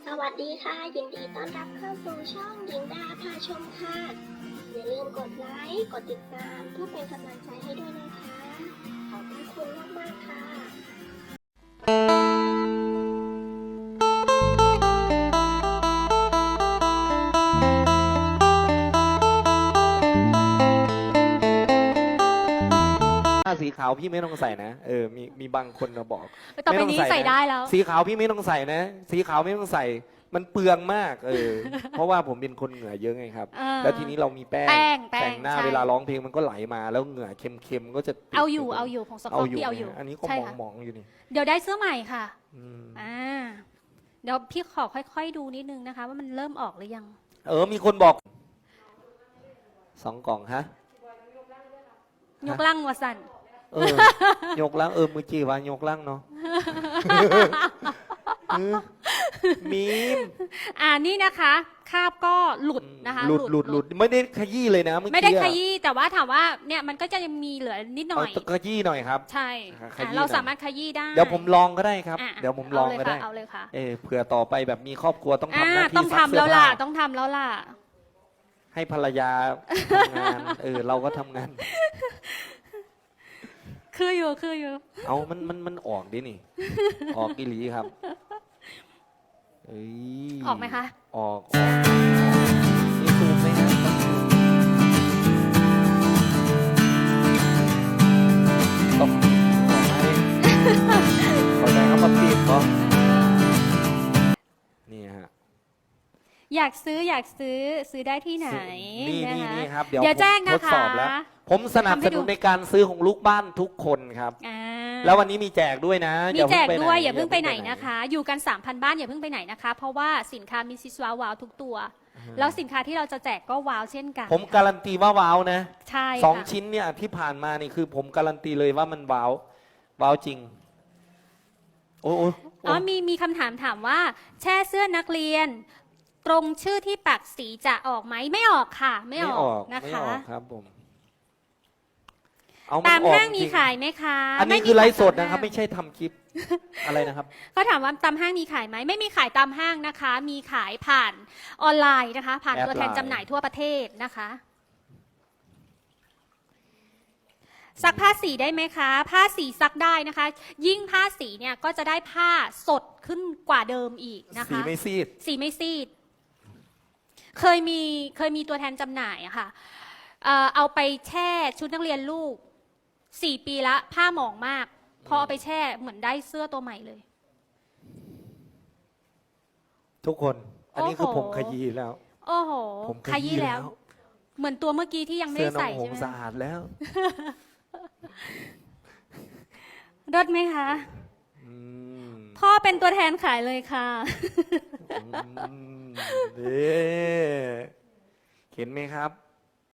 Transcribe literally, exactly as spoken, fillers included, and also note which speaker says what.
Speaker 1: สวัสดีค่ะยินดีต้อนรับเข้าสู่ช่องหญิงดาพาชมค่ะอย่าลืมกดไลค์กดติดตามเพื่อเป็นกำลังใจให้ด้วยนะคะขอบคุณมากๆค่ะ
Speaker 2: สีขาวพี่ไม่ต้องใส่นะเออมีมีบางคนมาบอก
Speaker 3: ต่อไปนี้ใส่ได้แล้ว
Speaker 2: สีขาวพี่ไม่ต้องใส่นะสีขาวไม่ต้องใส่มันเปลืองมากเออ เพราะว่าผมเป็นคนเหงื่อเยอะไงครับแล้วทีนี้เรามีแป้งแต่งหน้าเวลาร้องเพลงมันก็ไหลมาแล้วเหงื่อเค็มๆก็จะ
Speaker 3: เอาอยู่เอาอยู่ของสกอตที่เอาอยู่
Speaker 2: อันนี้ก็มองๆอยู่นี่
Speaker 3: เดี๋ยวได้เสื้อใหม่ค่ะอ่าเดี๋ยวพี่ขอค่อยๆดูนิดนึงนะคะว่ามันเริ่มออกหรือยัง
Speaker 2: เออมีคนบอกสองกล่องฮะ
Speaker 3: ยกล่างวสัน
Speaker 2: เออยกล่างเออมือจีว่ายกล่างเนาะมีม
Speaker 3: อ่านี่นะคะคาบก็หลุดนะคะ
Speaker 2: หลุดหลุดหลุดไม่ได้ขยี้เลยนะ
Speaker 3: ไม่ได้ขยี้แต่ว่าถามว่าเนี่ยมันก็จะยังมีเหลือนิดหน่อย
Speaker 2: ขยี้หน่อยครับ
Speaker 3: ใช่เราสามารถขยี้ได้
Speaker 2: เดี๋ยวผมลองก็ได้ครับเดี๋ยวผมลองก็ได้
Speaker 3: เอาเลยค่ะ
Speaker 2: เออเผื่อต่อไปแบบมีครอบครัวต้องทำหน้าที่
Speaker 3: ต้องทำแล้วล่ะต้องทำแล้วล่ะ
Speaker 2: ให้ภรรยาทำงานเออเราก็ทำงาน
Speaker 3: คืออยู่คืออยู่
Speaker 2: เอามันมันมันออกดินี่ออกกิลีครับเอ้ย
Speaker 3: ออกไหมคะ
Speaker 2: ออกออกนี่ซูมไหมนะต้องขอให้ขอใจเขามาปิดก็นี่ฮะ
Speaker 3: อยากซื้ออยากซื้อซื้อได้ที่ไหน
Speaker 2: นี่นี่นี่ครับ
Speaker 3: เดี๋ยวแจ้งนะคะ
Speaker 2: ผมสนับสนุนในการซื้อของลูกบ้านทุกคนครับแล้ววันนี้มีแจกด้วยนะ
Speaker 3: มีแจกด้วยอย่าเพิ่งไปไหนนะคะอยู่กัน สามพัน บ้านอย่าเพิ่งไปไหนนะคะเพราะว่าสินค้ามิสซิสว้าวว้าวทุกตัวแล้วสินค้าที่เราจะแจกก็ว้าวเช่นกัน
Speaker 2: ผมการันตีว่าว้าวนะ
Speaker 3: ใช่
Speaker 2: สองชิ้นเนี่ยที่ผ่านมานี่คือผมการันตีเลยว่ามันว้าวว้าวจริงโอ้โ
Speaker 3: อ๋อมีมีคำถามถามว่าแช่เสื้อนักเรียนตรงชื่อที่ปักสีจะออกไหมไม่ออกค่ะไม่ออกนะคะ
Speaker 2: ไม่ออกครับผม
Speaker 3: ตามห้างมีขายไหมคะ
Speaker 2: อันนี้คือไลฟ์สดนะครับไม่ใช่ทำคลิปอะไรนะครับ
Speaker 3: เขาถามว่าตามห้างมีขายไหมไม่มีขายตามห้างนะคะมีขายผ่านออนไลน์นะคะผ่านตัวแทนจำหน่ายทั่วประเทศนะคะซักผ้าสีได้ไหมคะผ้าสีซักได้นะคะยิ่งผ้าสีเนี่ยก็จะได้ผ้าสดขึ้นกว่าเดิมอีกนะคะ
Speaker 2: สีไม่ซีด
Speaker 3: สีไม่ซีดเคยมีเคยมีตัวแทนจำหน่ายอะค่ะเอาไปแช่ชุดนักเรียนลูกสี่ปีละผ้าหมองมากพอเอาไปแช่เหมือนได้เสื้อตัวใหม่เลย
Speaker 2: ทุกคนอันนี้คือผมขยี้แล้ว
Speaker 3: โอ้โหผมขยี้แล้วเหมือนตัวเมื่อกี้ที่ยังไม่ได้ใส่
Speaker 2: ใช่ไหมสะอาดแล้ว
Speaker 3: รสไหมคะพ่อเป็นตัวแทนขายเลยค่ะ
Speaker 2: เห็นไหมครับ